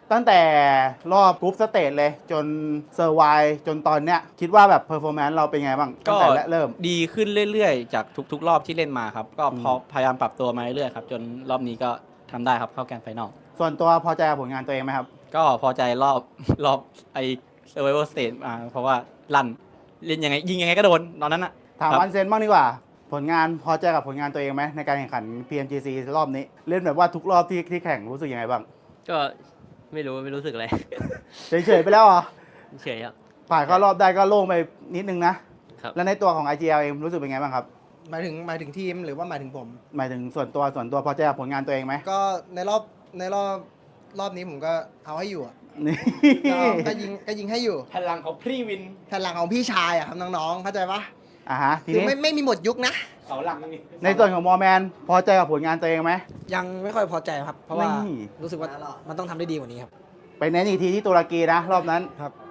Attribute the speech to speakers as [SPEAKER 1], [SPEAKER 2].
[SPEAKER 1] ตั้งแต่รอบกรุ๊ปสเตจเลยจนเซอร์ไวจนตอนเนี้ยคิดว่าแบบเพอร์ฟอร์แมนซ์เราเป็นไงบ้างตั้งแต่เริ่ม
[SPEAKER 2] ดีขึ้นเรื่อยๆจากทุกๆรอบที่เล่นมาครับก็พยายามปรับตัวมาเรื่อยๆครับจนรอบนี้ก็ทำได้ครับเข้าแกรนด์ไฟนอล
[SPEAKER 1] ส่วนตัวพอใจกับผลงานตัวเองไหมครับ
[SPEAKER 2] ก็พอใจรอบไอเซอร์ไวเวอร์สเตจเพราะว่าลั่นเล่นยังไงยิงยังไงก็โดนตอนนั้นนะ
[SPEAKER 1] ถามวันเซนบ้างดีกว่าผลงานพอใจกับผลงานตัวเองไหมในการแข่งขัน PMGC รอบนี้เล่นแบบว่าทุกรอบที่แข่งรู้สึกยังไงบ้าง
[SPEAKER 3] ก็ไม่รู้สึกอะไร
[SPEAKER 1] เฉยๆไปแล้วเหรอ
[SPEAKER 3] เฉยครับ
[SPEAKER 1] ผ่านเข้ารอบได้ก็โล่งไปนิดนึงนะครับแล้วในตัวของ IGL เองรู้สึกเป็นไงบ้างครับ
[SPEAKER 4] หมายถึงทีมหรือว่าหมายถึงผม
[SPEAKER 1] หมายถึงส่วนตัวพอใจกับผลงานตัวเองไหม
[SPEAKER 4] ก็ในรอบนี้ผมก็เอาให้อยู่อะ
[SPEAKER 1] นี่
[SPEAKER 4] ก็ยิงให้อยู่
[SPEAKER 2] พลังของพรีวิน
[SPEAKER 4] แผ่นหลังของพี่ชายอะครับน้องๆเข้าใจปะ
[SPEAKER 1] ฮะที
[SPEAKER 4] คือ
[SPEAKER 1] นี้
[SPEAKER 4] ไม่มีหมดยุคนะ
[SPEAKER 2] เสาหลัก
[SPEAKER 1] ในส่วนของมอร์แมนพอใจกับผลงานตัวเองไหม
[SPEAKER 5] ยังไม่ค่อยพอใจครับ เพราะว่า
[SPEAKER 1] นี่
[SPEAKER 5] รู้สึกว่ามันต้องทำได้ดีกว่านี้ครับ
[SPEAKER 1] ไปเน้นอีกทีที่ตุรกีนะรอบนั้น
[SPEAKER 5] ครับ